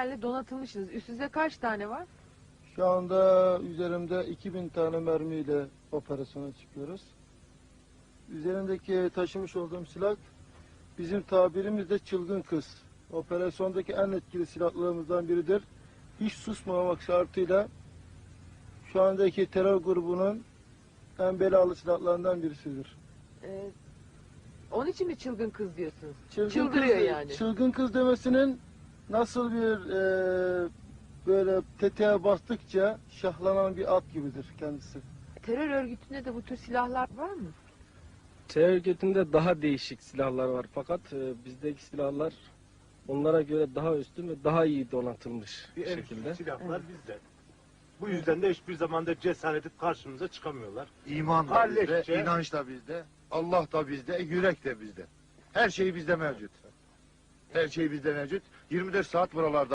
donatılmışsınız. Üstünüzde kaç tane var? Şu anda üzerimde 2000 tane mermiyle operasyona çıkıyoruz. Üzerimdeki taşımış olduğum silah bizim tabirimizde çılgın kız. Operasyondaki en etkili silahlarımızdan biridir. Hiç susmamak şartıyla şu andaki terör grubunun en belalı silahlarından birisidir. Onun için mi çılgın kız diyorsunuz? Çılgın Çıldırıyor kız, yani. Çılgın kız demesinin nasıl bir böyle tetiğe bastıkça şahlanan bir at gibidir kendisi. Terör örgütünde de bu tür silahlar var mı? Terör örgütünde daha değişik silahlar var fakat bizdeki silahlar onlara göre daha üstün ve daha iyi donatılmış Bir şekilde. silahlar bizde. Bu yüzden de hiçbir zamanda cesaret edip karşımıza çıkamıyorlar. İman da Halletçe. bizde, inanç da bizde, Allah da bizde, yürek de bizde. Her şey bizde mevcut. Her şey bizde mevcut. 24 saat buralarda.